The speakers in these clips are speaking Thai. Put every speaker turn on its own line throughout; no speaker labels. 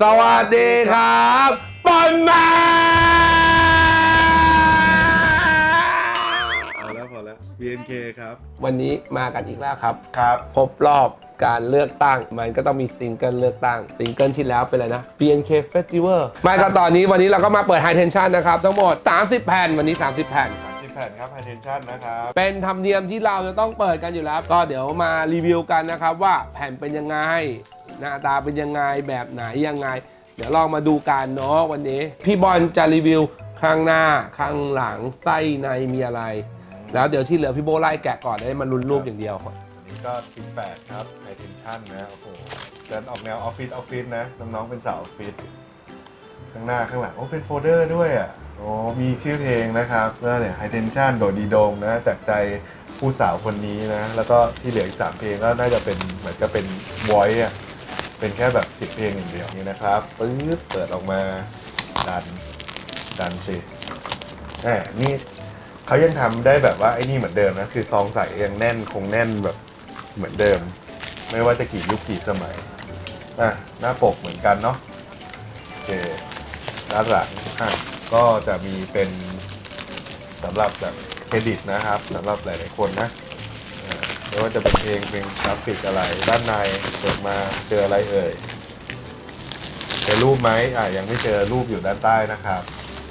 สวัสดีครับบอลแมน
พอแล้ว BNK ครับ
วันนี้มากันอีกแล้วครับ
ครับ
ครบรอบการเลือกตั้งมันก็ต้องมีซิงเกิลเลือกตั้งซิงเกิลที่แล้วเป็นอะไรนะ BNK Festival ไม่ก็วันนี้เราก็มาเปิด High Tension นะครับทั้งหมด30 แผ่นวันนี้30 แผ่น
30 แผ่นครับ High Tension นะครับ
เป็นธรรมเนียมที่เราจะต้องเปิดกันอยู่แล้ว ก็เดี๋ยวมารีวิวกันนะครับว่าแผ่นเป็นยังไงหน้าตาเป็นยังไงแบบไหนยังไง เดี๋ยวลองมาดูกันเนาะวันนี้พี่บอลจะรีวิวข้างหน้าข้างหลังไส้ในมีอะไร แล้วเดี๋ยวที่เหลือพี่โบไล่แกะก่อนได้มันลุ้นรูปอย่างเดียว
อันนี้ก็18ครับ High Tension นะโอ้โหเดินออกแนวออฟฟิศนะน้องๆเป็นสาวออฟฟิศข้างหน้าข้างหลังโอ้เป็นโฟลเดอร์ด้วยอ่ะโอ้มีชื่อเพลงนะครับแล้วเนี่ย High Tension โดดดีโดมนะจากใจผู้สาวคนนี้นะแล้วก็ที่เหลืออีก3เพลงก็น่าจะเป็นเหมือนจะเป็น voice อ่ะเป็นแค่แบบ10เพลงอย่างเดียวนี่นะครับปึ๊บเปิดออกมาดันสิแหมนี่เขายังทำได้แบบว่าไอ้นี่เหมือนเดิมนะคือซองใส่ยังแน่นคงแน่นแบบเหมือนเดิมไม่ว่าจะกี่ยุคกี่สมัยหน้าปกเหมือนกันเนาะโอเคด้านหลังก็จะมีเป็นสำหรับแบบเครดิตนะครับสำหรับหลายๆคนนะไม่ว่าจะเป็นเพลงกราฟิกอะไรด้านในเปิดมาเจออะไรเอ่ยเจอรูปไหมยังไม่เจอรูปอยู่ด้านใต้นะครับ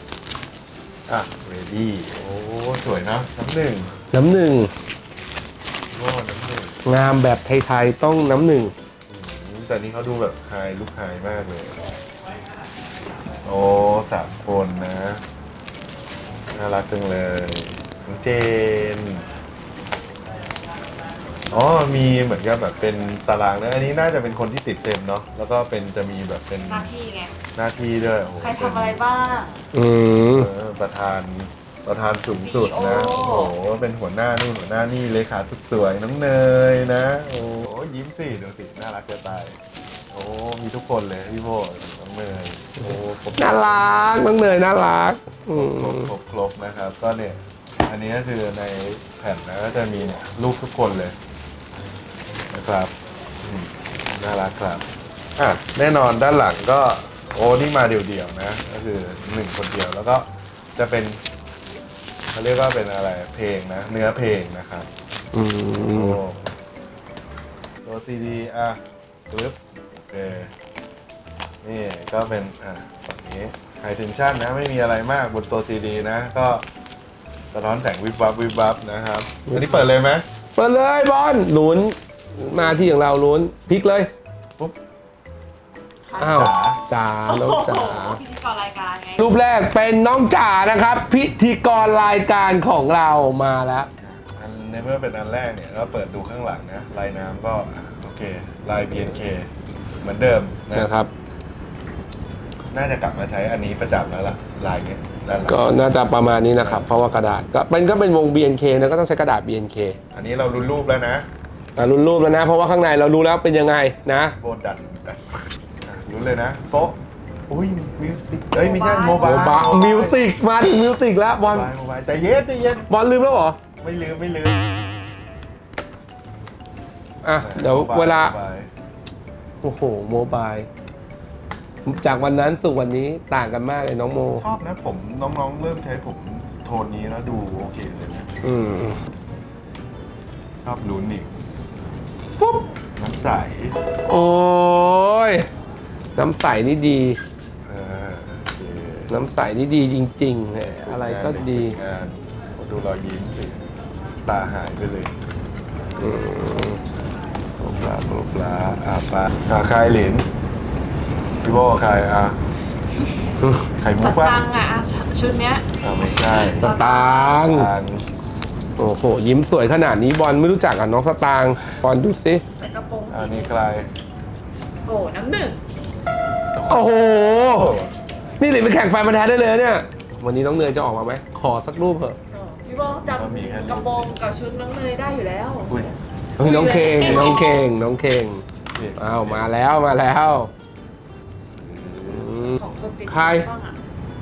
ready โอ้สวยนะน้ำหนึ่ง
น้ำหนึ่ง
โอ้น้ำหนึ่ง
งามแบบไทยๆต้องน้ำหนึ่ง
แต่นี้เขาดูแบบไฮลุคไฮมากเลย โอ้3 คนนะน่ารักจังเลยน้องเจนอ๋อมีเหมือนกับแบบเป็นตารางนะอันนี้น่าจะเป็นคนที่ติดเต็มเนาะแล้วก็เป็นจะมีแบบเป็น
หน้าที่ไง
หน้าที่ด้วยโอ้โห
ใครทำอะไรบ้าง
อืม
ประธานสูงสุดนะ
CEO
โอ้โหเป็นหัวหน้านู่นหัวหน้านี่เลขาสุดสวยน้องเนยนะโอ้ยิ้มสิดูสิน่ารักจะตายโอ้มีทุกคนเลยพี่โบน้องเนยโอ้ครบ
น่ารักน้องเนยน่ารักอืม
ครบนะครับก็เนี่ยอันนี้ก็คือในแผ่นนะก็จะมีเนี่ยรูปทุกคนเลยนะครับน่ารักครับแน่นอนด้านหลังก็โอ้นี่มาเดี่ยวๆนะก็คือ1 คนเดียวแล้วก็จะเป็นเขาเรียกว่าเป็นอะไรเพลงนะเนื้อเพลงนะครับ
อืม
ตัวซีดีปึ๊บโอเคนี่ก็เป็นฝั่งนี้ไฮเทนชั่นนะไม่มีอะไรมากบนตัวซีดีนะก็สะท้อนแสงวิบวับนะครับอันนี้เปิดเลยไหม
เปิดเลยบอลลุ้นมาที่อย่างเราลุ้นพลิกเลย
ปุ๊บ
อ้าวจ๋าน้องจ๋า
พิธีกรรายการไง
รูปแรกเป็นน้องจ๋านะครับ พิธีกรรายการของเรามาแล้ว
อันในเมื่อเป็นอันแรกเนี่ยก็เปิดดูข้างหลังนะลายน้ำก็โอเคลาย BNK เหมือนเดิม
นะครับ
น่าจะกลับมาใช้อันนี้ประจำแล้วล่ะลายเนี้ยด้านหลัง
ก็น่าจะประมาณนี้นะครับ เพราะว่ากระดาษก็เป็นวง BNK นะก็ต้องใช้กระดาษ BNK
อันนี้เรารุนรูปแล้วนะ
รุ่นรูปแล้วนะ เพราะว่าข้างในเรารู้แล้วเป็นยังไงนะ
โบดันรู้เลยนะโต๊ะอุ้ยมิวสิกไม่ใช่โมบาย
โมบายมิวสิกมาถึงมิวสิกแล้วบอล
โมบายใจเย็น
บอลลืมแล้วเหรอ
ไม่ลืม
เดี๋ยวเวลา
โมบย
โอ้โหโมบายจากวันนั้นสู่วันนี้ต่างกันมากเลยน้องโม
ชอบนะผมน้องๆเริ่มใช้ผมโทนนี้แล้วดูโอเคเลยนะ
อืม
ชอบลุ้นอีก
ปุ๊บ
น้ำใส
โอ้ยน้ำใสนี่ดี
โอเค
น้ำใสนี่ดีจริงๆแหมอะไรก็ดี
งานดูรอยยิ้มสิตาหายไปเลย
อืม
โบปลาปลาใครหลินพี่โบใครไข่มุ
ส
กปะ
ตังค์ชุดเนี้ย
ไม่ใช่
สตางค์
ทาง
โอ้โหยิ้มสวยขนาดนี้บอลไม่รู้จักอ่ะน้องสตางค์บอลดูสิ
เป็นกระโปรง
อันนี้ใคร
โอ้น้ำหนึ่ง
โอ้โหนี่เลยไปแข่งไฟมาแท้ได้เลยเนี่ยวันนี้น้องเนยจะออกมาไหมขอสักรูปเถอะ
พี่โบจำกระโปรงกับชุดน้องเนยได้อยู่แล้ว
อุ้ย
เฮ้ยน้องเคงอ้าวมาแล้วอืม
ของคนติด
ใคร
บ้างอะ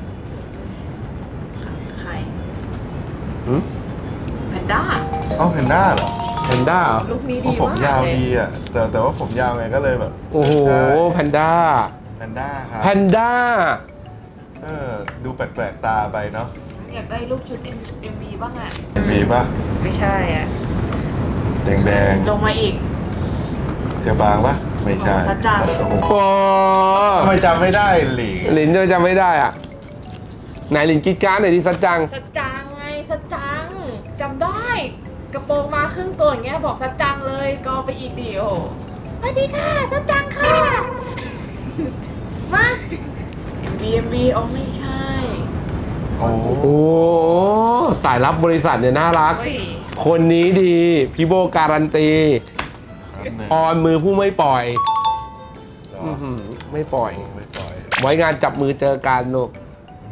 ใคร
หืม
แพนด้า
แพนด้าเหรอ
แพนด้าเหรอ
ลูกนี้
เพราะ
ดี
ผม
มาก
ยาว
เลย
ดีอ่ะแต่ว่าผมยาวไงก็เลยแบบ
โอ้โห
ใช่
แพนด้า
แพนด้าครับ
แพนด้า
ดูแปลกๆตาไปเนาะ
อยากได้รูปชุด MV บ้างอ่ะ
มีป่ะ
ไม่ใช่อ่ะ
แดง
ลงมาอีก
ๆเทียบางป่ะไม่ใช่
สัจจัง
โอ้โห
โอ้
ทำไมจำไม่ได้หลิง
หลินจะไม่ได้อ่ะไหนหลินกิ๊กการ์ดหน่อยดิสัจจัง
สัจจังไงสัจจังจำได้ กระโปรงมาครึ่งตัวอย่างเงี้ยบอกสัจจังเลยก็ไปอีกดิโอสวัสดีค่ะสัจจังค่ะ มา MV อ๋อไม่ใช่
โอ้โห
โอ้สายรับบริษัทเนี่ยน่ารัก
เฮ้ย
คนนี้ดีพี่โบการันตี
ครับหนึ่ง
ออนมือผู้ไม่ปล่อย
สอ
อื้อง หือไม่ปล่อย
ไม่ปล่อย
ไว้งานจับมือเจอกันลูก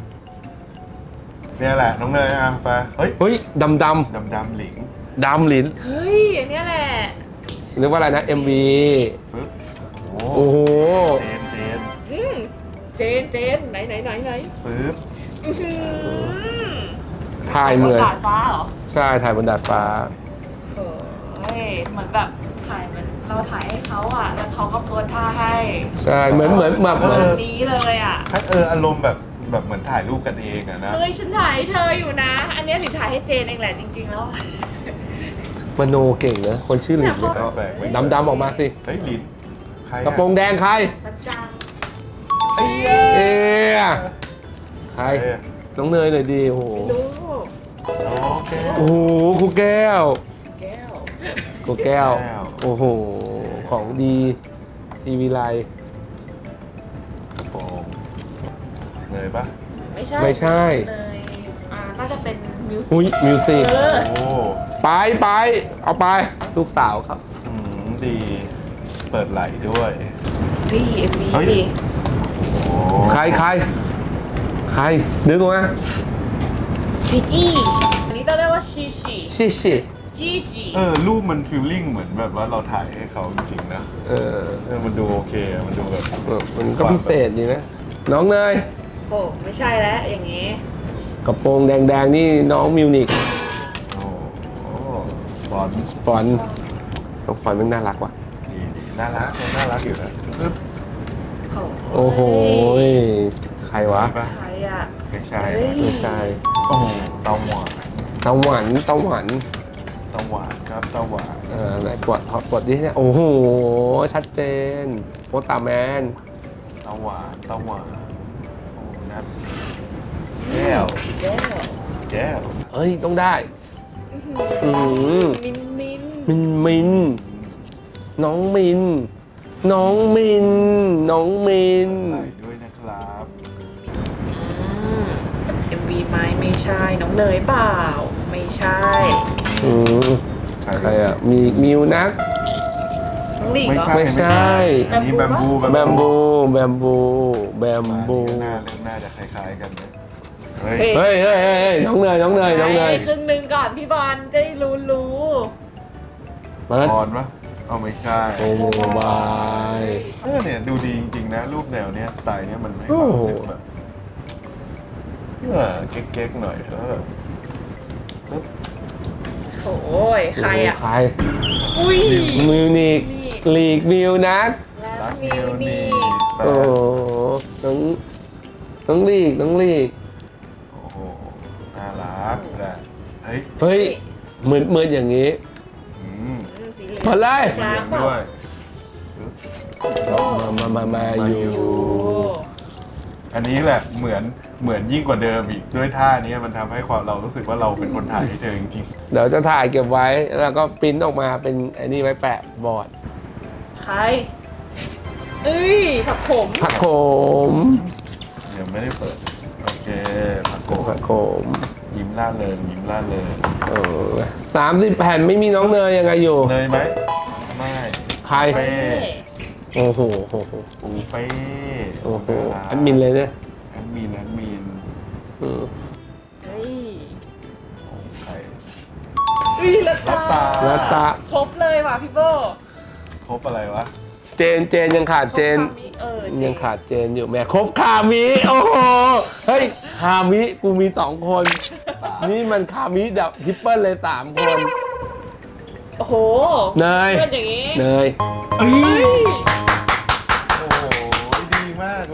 เนี่ยแหละน้องเนยอ่ะไปเฮ้ย
เฮ้ยดำ
ดำหลิง
ดำหลิน
เฮ้ยอันเนี้ยแหละ
นึกว่าอะไรนะ MV
ปึ๊บโอ้
โอ้โห
เจน
อืมเจนไหน
ปึ๊บ
อื้อหือ
ถ่ายเหมือน
ดาดฟ้าเหรอ
ใช่ถ่ายบนดาดฟ้า
เฮ้ยเหมือนแบบถ่ายเหมือนเราถ่ายให้เขาอ่ะ แล้วเขาก็โพสท่าให้
ใช่เหมือนแบบเหมือน
แบบนี้เลยอ่ะ
ถ้าอารมณ์แบบเหมือนถ่ายรูปกันเองอะนะ
เฮ้ยฉันถ่ายให้เธออยู่นะ อันเนี้ยหลินถ่ายให้เจนเองแหละจริงๆแล้ว
มโนเก่งนะคนชื่อหลินเนี่ย
แปลกๆไม่
ดำๆออกมาสิ
เฮ้ยหลินใครอ
กระโปรงแดงใคร
สัจจัง
ไอ้เหี้ย
เอ๊ะใคร
เอ้ย
น้องเนยหน่อยดีโอ้โห
ไม่รู้
โอเค
โอ้โหครูแก้ว
แก้ว
ครูแก้ว
แก้ว
โอ้โหของดีซีวีไล
กระโปรงเนยปะ
ไม่ใช่
ไม่ใช่
เลยน่าจะเป็นมิวสิ
อุ้ยมิวสิก
เออ
โอ้
ไปเอาไปลูกสาวครับ
ดี เปิดไหลด้วย
พี่เอ็มวี
เฮ้ย
ดิ
โอ้
ใครนึกออกไหม
จีจี้อันนี้ต้องเรียกว่าชีชี
ชิ
จีจี
รูปมันฟีลลิ่งเหมือนแบบว่าเราถ่ายให้เขาจริงๆนะ
เออ
มันดูโอเค มันดูแบบ
มันก็พิเศษดีนะ น้องเนย
โอ้ไม่ใช่แล้วอย่างงี้
กระโปรงแดงๆนี่น้องมิวนิก
โอ้โหบอล
ฟอนต์น้องฟอนต์มันน่ารักว่ะ
ดีน่ารักน่ารักอยู่นะปึ๊บ
โอ้โหใครวะ
ใช่ปะ
ใครอ่ะ
ไม่ใช่
เฮ้ย
ไม่ใช่
โอ้โหเตาหวาน
ตะหวัน
เตาหวานครับเตาหวาน
ไหนกดดิโอ้โหชัดเจนโอตาแมน
เตาหวานโอ้นัดแก้ว
แก้ว
แก้ว
เอ้ยต้องได้อืม
มิน
มินน้องมินน้องมิน
ไหลด้วยนะครับ
เอ็มวีไหมไม่ใช่น้องเนยเปล่า ไม่ใช่
อืมใครอ่ะมีมิวนัก
น้องหลิงเหรอ
ไม่ใช่
อันนี้แบมบู
แบมบู
มา
บู
หน้าเรื่องหน้าจะคล้ายๆกันนะเฮ้ย
เฮ้ย
เฮ้ยน้องเนย
ครึ่งหนึ่งก่อนพี่บอลจะได้รู้
เปิด
บอลปะเอาไม่ใช่
โอ้บาย
เนี่ยดูดีจริงๆนะ รูปแนวเนี้ยสไตล์เนี้ยมันให้ความรู้สึกแบบเก๊กๆหน่อยแล้วแบบ
โอ้ยใครอ่ะ
ใคร
อุ้ย
มิวนิกลีกมิวนัก
แล้ว
รัก
มิ
มิ
ว
ว
นี่
นี่แป
โอ้
ด
น้องลีก
โอ้โหน่ารักแต่เฮ้ย
เฮ้ยมืดอย่างนี้
อืม
สีเหลือง
มาเลย
กลางเปล่า
ด้วย
มาอยู่
อยู่
อันนี้แหละเหมือนยิ่งกว่าเดิมอีกด้วยท่านี้มันทำให้ความเรารู้สึกว่าเราเป็นคนถ่ายให้เธอจริง
เดี๋ยวจะถ่ายเก็บไว้ แล้วก็ปริ้นออกมาเป็นไอ้นี่ไว้แปะบอร์ด
ใครเอ้ยผักขม
ผักโขม
ๆเดี๋ยวไม่ได้เปิดโอเคผักโก
ผักโขม
ยิ้มล่าเริงยิ้มล่าเริง
30 แผ่นไม่มีน้องเนยยังไงอยู่
เนยไหมไม่
ใคร
เป้
โอ้โห
ปูเป้
โอ้โหแอดมินเลยเนี่ย
แอดมิน
อืม
เฮ้ย
โอ้ใคร
อุ้ยละตา
ละตา
ครบเลยว่ะพี่โบ
ครบอะไรวะ
เจนยังขาดเจน
ครบคำนี้
ยังขาดเจนอยู่แหม่ครบคามิโอ้โหเฮ้ยคามิกูมี2 คน นี่มันคามิแบบทริปเปิลเลย3 คน
โอ้โห
เนย
เพื่อนอย่างงี้
เนย
เอ้
เฮ้
ย
ย
โอ้โหดีมาก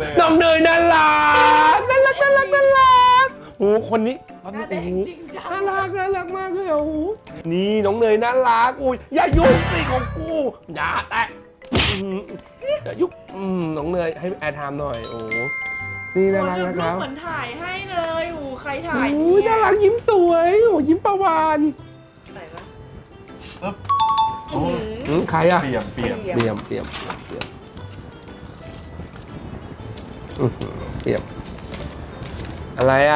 อ้คนนี้
หน้าแดงจริงจัง
น่ารักมากเลยโอ้โหนี่น้องเนยน่ารักอุ้ยอย่ายุ่งสิของกูอย่าแตะอย่ายุ่งน้องเนยให้แอร์ไทม์หน่อยโอ้นี่น่ารักนะครับ
เหมือนถ่ายให้เลยโอ้ใครถ่าย
อุ้ยน่ารักยิ้มสวยโอ้ยิ้มประวาน
ใส่ปะ
ปึ๊บโอ้
ใครอะ
เปี่ยม
เปี่ยมเปี่ยมเปี่ยมอะไรอะ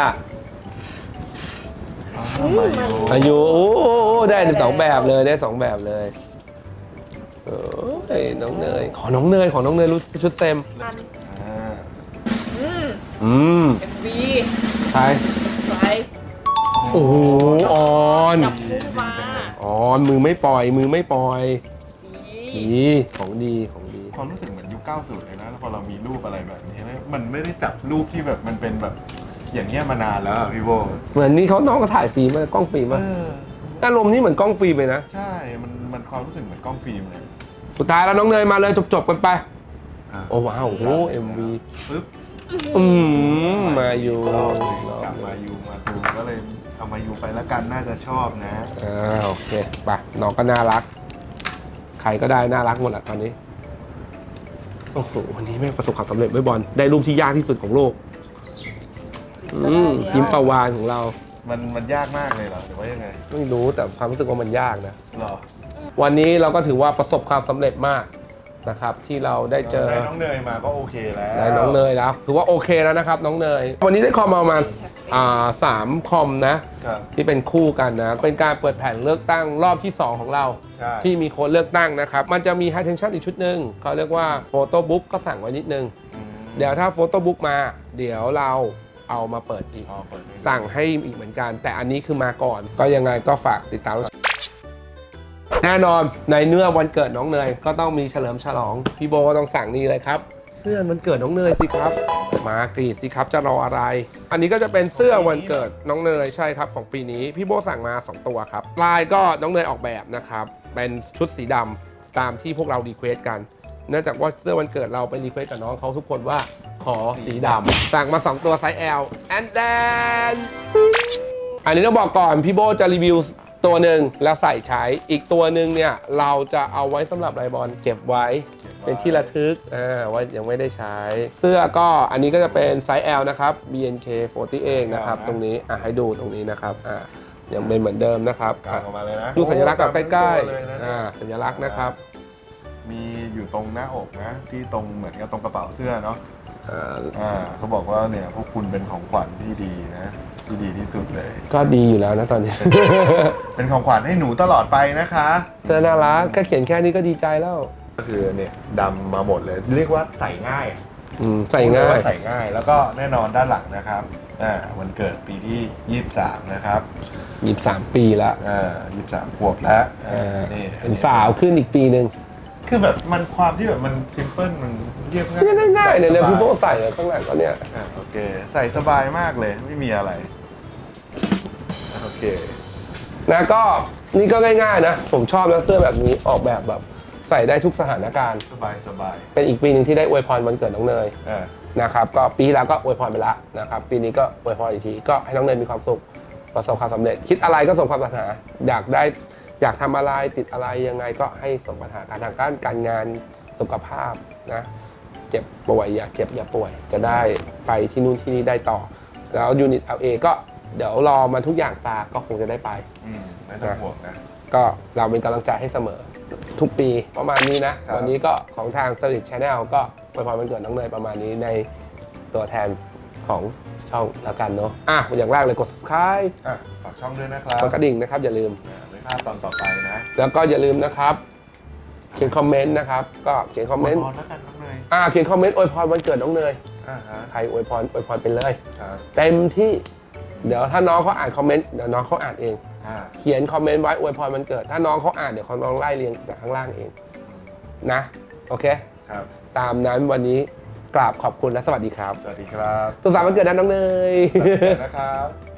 อายุโอ้ได้สองแบบเลยได้สองแบบเลยเอ้ยน้องเนยขอน้องเนยรู้ชุดเต็ม
อัน
อืม
MV
ใคร
ใส่
โอ้โหออน
จับคู่มา
ออนมือไม่ปล่อย
ดี
ดีของดี
ความรู้สึกเหมือนยุค 90 เลยนะแล้วพอเรามีรูปอะไรแบบนี้มันไม่ได้จับรูปที่แบบมันเป็นแบบอย่างเงี้ยมานานแล้วอะพี่โบ
เหมือนนี่เขาน้องก็ถ่ายฟิล์มกล้องฟิล์มอารมณ์นี่เหมือนกล้องฟิล์มเลยนะ
ใช่มันความรู้สึกเหมือนกล้องฟิล์มเลย
สุดท้ายแล้วน้องเนยมาเลยจบกันไปโอ้ว้าวโอ้ MV
ปึ๊บ
มาอยู่
รอบหนึ่งกลับมายูมาดูก็เลยเอามายูไปแล้วกันน่าจะชอบนะ
โอเคไปน้องก็น่ารักใครก็ได้น่ารักหมดแหละตอนนี้โอ้โหวันนี้แม่งประสบความสำเร็จไว้บอลได้รูปที่ยากที่สุดของโลกยิ้มประวานของเรา
มันยากมากเลยเหรอหรือว่ายังไง
ไม่รู้แต่ความรู้สึกว่ามันยากนะ
หรอ
วันนี้เราก็ถือว่าประสบความสำเร็จมากนะครับที่เราได้เจอ
ได้น้องเนยมาก็โอเคแล้ว
ได้น้องเนยแล้วถือว่าโอเคแล้วนะครับน้องเนยวันนี้ได้คอมมาประมาณ3 คอมนะครับ ที่เป็นคู่กันนะเป็นการเปิดแผ่นเลือกตั้งรอบที่ 2 ของเรา
ใช่
ที่มีคนเลือกตั้งนะครับมันจะมี High Tension อีกชุดหนึ่งเขาเรียกว่าโฟโต้บุ๊กก็สั่งไว้นิดนึง
อืม
เดี๋ยวถ้าโฟโต้บุ๊กมาเดี๋ยวเราเอามาเปิดอีก
อ๋อเปิดให้ดู
สั่งให้อีกเหมือนกัน แต่อันนี้คือมาก่อน ก็ยังไงก็ฝากติดตามแน่นอนในเนื้อวันเกิดน้องเนยก็ต้องมีเฉลิมฉลองพี่โบก็ต้องสั่งนี่เลยครับเสื้อวันเกิดน้องเนยสิครับมากรีดสิครับจะรออะไร อันนี้ก็จะเป็นเสื้อวันเกิดน้องเนยใช่ครับของปีนี้พี่โบสั่งมา2 ตัวครับลายก็น้องเนยออกแบบนะครับเป็นชุดสีดำตามที่พวกเรารีเควสกันเนื่องจากว่าเสื้อวันเกิดเราไปรีเควสกับน้องเขาทุกคนว่าขอสีดำสั่งมา2 ตัวไซส์ L and then อันนี้ต้องบอกก่อนพี่โบจะรีวิวตัวหนึ่งแล้วใส่ใช้อีกตัวหนึ่งเนี่ยเราจะเอาไว้สำหรับไลบอลเก็บไว้เป็นที่ระทึกว่ายังไม่ได้ใช้ เสื้อก็อันนี้ก็จะเป็นไซส์ L นะครับ BNK48 นะครับตรงนี้ให้ดูตรงนี้นะครับยังเป็นเหมือนเดิมนะครับ
กางออกมาเลยนะ
ดูสัญลักษณ์กับใกล้
เลยนะ
ๆสัญลักษณ์นะครับ
มีอยู่ตรงหน้าอกนะที่ตรงเหมือนกับตรงกระเป๋าเสื้อเนาะ
อ่า
เขาบอกว่าเนี่ยพวกคุณเป็นของขวัญที่ดีนะที่ดีที่สุดเลย
ก็ดีอยู่แล้วนะตอนนี้
เป็นของขวัญให้หนูตลอดไปนะคะ
เสื้อน่ารักแค่เขียนแค่นี้ก็ดีใจแล้ว
ก็คือเนี่ยดำมาหมดเลย เรียกว่าใส่ง่าย
ใส่ง่าย
ใส่ง่ายแล้วก็แน่นอนด้านหลังนะครับวันเกิดปีที่23นะครับ
23 ปีแล้ว
23 ขวบแล้วนี่
เป็นสาวขึ้นอีกปีหนึ่ง
คือแบบมันความที่แบบมันซิมเพิลมันเรียบง่าย
ง่ายๆเนี่ย
สบ
พี่โบใส่ข้างหลังก็เนี่ย
โอเคใส่สบายมากเลยไม่มีอะไรโอเค
นะก็นี่ก็ง่ายๆนะผมชอบนะเสื้อแบบนี้ออกแบบใส่ได้ทุกสถานการณ์
สบายสบาย
เป็นอีกปีหนึ่งที่ได้อวยพรวันเกิดน้องเนยนะครับก็ปีที่แล้วก็อวยพรไปแล้วนะครับปีนี้ก็อวยพรอีกทีก็ให้น้องเนยมีความสุขประสบความสำเร็จคิดอะไรก็สมความปรารถนาอยากทำอะไรติดอะไรยังไงก็ให้สมปรารถนาทางการงานสุขภาพนะเจ็บป่วยอย่าเจ็บอย่าป่วยจะได้ไปที่นู่นที่นี่ได้ต่อแล้วยูนิต LA ก็เดี๋ยวรอมาทุกอย่างตาก็คงจะได้ไป
ไม่ต้องห่วงนะ
ก็เราเป็นกำลังใจให้เสมอทุกปีประมาณนี้นะวันนี้ก็ของทาง Solid Channel ก็อวยพรวันเกิดน้องเนยประมาณนี้ในตัวแทนของช่องแล้วกันเนาะอย่างแรกเลยกด subscribe
ฝากช่องด้วยนะครับ
กดกระดิ่งนะครับอย่าลืม
ไม่พลาดตอนต่อไปนะ
แล้วก็อย่าลืมนะครับเขียนคอมเมนต์นะครับก็เขียนคอมเมนต์
พอแล้วกันน้องเนย
เขียนคอมเมนต์อวยพรวันเกิดน้องเนย
ฮะ
ใครอวยพรไปเลย
ครับ
เต็มที่เดี๋ยวถ้าน้องเขาอ่านคอมเมนต์เดี๋ยวน้องเขาอ่านเองเขียนคอมเมนต์ไว้อวยพรวันเกิดถ้าน้องเขาอ่านเดี๋ยวเขาน้องไล่เรียงจากข้างล่างเองนะโอเค
ครับ
ตามนั้นวันนี้กราบขอบคุณและสวัสดีครับ
สวัสดีครับ
สุขสันต์วันเกิดนะน้องเนย
สวัสดีนะครับ